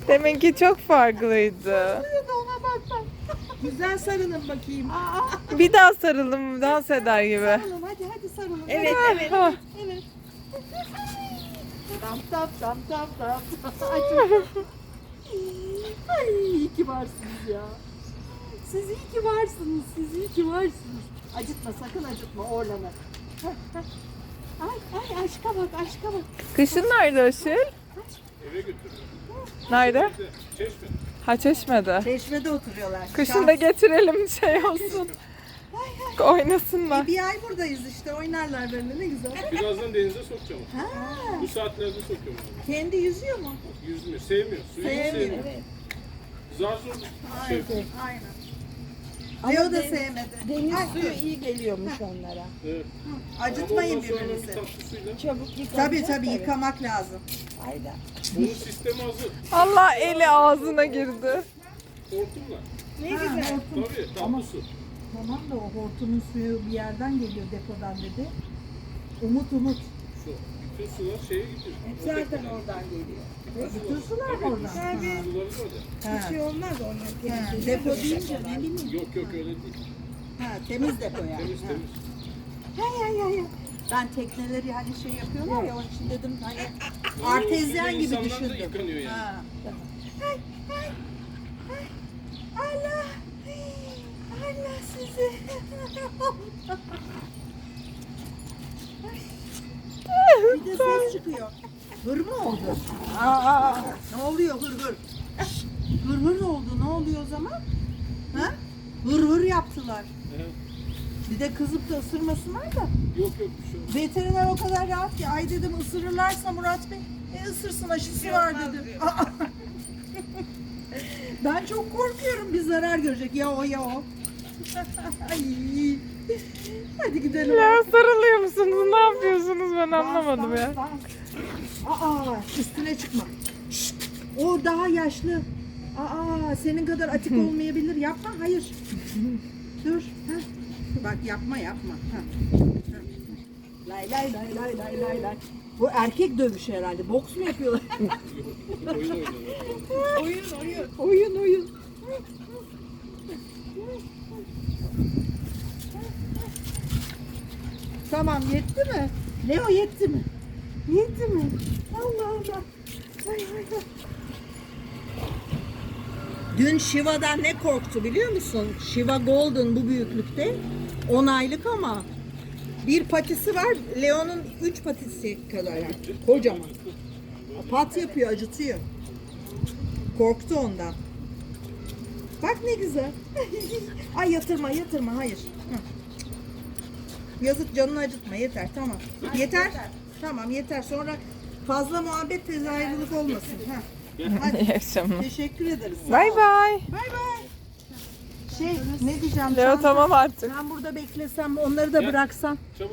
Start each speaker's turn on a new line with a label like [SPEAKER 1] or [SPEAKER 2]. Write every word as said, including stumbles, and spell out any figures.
[SPEAKER 1] Deminki çok farklıydı.
[SPEAKER 2] Ona bak bak. Güzel sarılın bakayım. Aa,
[SPEAKER 1] Bir daha sarılım dans eder gibi.
[SPEAKER 2] sarılın hadi hadi sarılın.
[SPEAKER 3] Evet,
[SPEAKER 2] hadi.
[SPEAKER 3] evet.
[SPEAKER 1] Ah,
[SPEAKER 2] Evet. Tam tam tam tam tam. Ay, çok- Ay iyi ki varsınız ya. Siz iyi ki varsınız. Siz iyi ki varsınız. Acıtma sakın acıtma Orlan'ı. Heh, heh. Ay ay aşka bak aşka bak.
[SPEAKER 1] Kışın nerede Aşil?
[SPEAKER 4] Eve götürüyorum.
[SPEAKER 1] Nerede?
[SPEAKER 4] Çeşme.
[SPEAKER 1] Ha Çeşme'de.
[SPEAKER 2] Çeşmede oturuyorlar.
[SPEAKER 1] Kışın da getirelim şey olsun. Oynasınlar.
[SPEAKER 2] E, bir ay buradayız işte oynarlar böyle ne güzel.
[SPEAKER 4] Birazdan denize sokacağım.
[SPEAKER 2] Ha,
[SPEAKER 4] Bu saatlerde sokuyorum abi.
[SPEAKER 2] kendi yüzüyor mu?
[SPEAKER 4] Yüzmüyor, sevmiyor. Suyu
[SPEAKER 2] Sevmiyor.
[SPEAKER 4] sevmiyor. Zar zor şey.
[SPEAKER 2] Aynen. Leo da sevmedi.
[SPEAKER 3] Deniz
[SPEAKER 2] Ay,
[SPEAKER 3] suyu iyi geliyormuş onlara.
[SPEAKER 4] Evet.
[SPEAKER 2] acıtmayın
[SPEAKER 4] Ama ondan sonra bir
[SPEAKER 2] birbirinizi.
[SPEAKER 4] tatlı suyla.
[SPEAKER 3] Çabuk yıkanacak.
[SPEAKER 2] Tabii tabii yıkamak lazım.
[SPEAKER 3] Aynen.
[SPEAKER 4] Bunun sistemi hazır.
[SPEAKER 1] Allah eli ağzına girdi.
[SPEAKER 4] Hortumla.
[SPEAKER 3] Ne
[SPEAKER 2] Ha,
[SPEAKER 3] güzel.
[SPEAKER 2] hortum.
[SPEAKER 4] Tabii tatlı su.
[SPEAKER 2] Tamam da o hortumun suyu bir yerden geliyor depodan dedi. Umut umut.
[SPEAKER 4] Su. Bütün sular şeye gidiyor.
[SPEAKER 3] Zaten oradan geliyor.
[SPEAKER 2] Bütün sular mı oradan?
[SPEAKER 3] Tabii.
[SPEAKER 4] Suları da orada.
[SPEAKER 2] Ha.
[SPEAKER 3] Bir şey olmaz onlar
[SPEAKER 2] Ha,
[SPEAKER 3] temizlenir.
[SPEAKER 2] depo deyince ne bileyim.
[SPEAKER 4] Yok yok öyle değil.
[SPEAKER 2] Ha, temiz depo yani.
[SPEAKER 4] Temiz
[SPEAKER 2] Ha.
[SPEAKER 4] temiz.
[SPEAKER 2] Hay hay hay. hay. Ben tekneleri hani şey yapıyorlar ya onun için dedim hani artezyen gibi
[SPEAKER 4] İnsanlar da
[SPEAKER 2] düşündüm.
[SPEAKER 4] yıkanıyor yani.
[SPEAKER 2] Ha. Ay, ay, ay. Allah. Allah sizi. Bir de ses çıkıyor. Hır mı oldu? Aa, ne oluyor hır hır? Şşt, Hır hır oldu. Ne oluyor o zaman? Ha? Hır hır yaptılar.
[SPEAKER 4] Evet.
[SPEAKER 2] Bir de kızıp da ısırmasınlar da.
[SPEAKER 4] Yok yok bir şey olmaz.
[SPEAKER 2] Veteriner o kadar rahat ki. Ay dedim ısırırlarsa Murat Bey. E ısırsın aşısı var dedim. Aa. Ben çok korkuyorum bir zarar görecek. Ya o ya o. Ay. Hadi gidelim.
[SPEAKER 1] Ya sarılıyor musunuz? Ne yapıyorsunuz? Ben anlamadım
[SPEAKER 2] Dans,
[SPEAKER 1] ya.
[SPEAKER 2] dans, dans. Aa, üstüne çıkma. Şşt, o daha yaşlı. Aa, senin kadar atik olmayabilir. Yapma, hayır. Dur. Heh. Bak yapma, yapma. Heh. Heh. Lay lay lay lay lay lay lay. Bu erkek dövüşü herhalde. Boks mu yapıyorlar?
[SPEAKER 4] Oyun oynuyorlar.
[SPEAKER 2] oyun, oyun. Oyun, oyun. Tamam, yetti mi? Leo yetti mi? Yetti mi? Allah Allah. Ay, ay, ay. Dün Shiva'dan ne korktu biliyor musun? Shiva Golden bu büyüklükte. on aylık ama bir patisi var. Leo'nun üç patisi kadar yani. Kocaman. Pat yapıyor, acıtıyor. Korktu ondan. Bak ne güzel. Ay yatırma, yatırma. Hayır. Hı. Yazık canını acıtma. Yeter, tamam. Yeter. Tamam, yeter. Sonra fazla muhabbet tez ayrılık olmasın. Ha. Hadi.
[SPEAKER 1] İyi akşamlar.
[SPEAKER 2] Teşekkür ederiz. Sağ
[SPEAKER 1] Bay
[SPEAKER 2] ol.
[SPEAKER 1] bay.
[SPEAKER 2] Bay bay. Şey ne diyeceğim?
[SPEAKER 1] Leo
[SPEAKER 2] Çanta-
[SPEAKER 1] tamam artık.
[SPEAKER 2] Ben burada beklesem onları da bıraksam.
[SPEAKER 4] Çabuk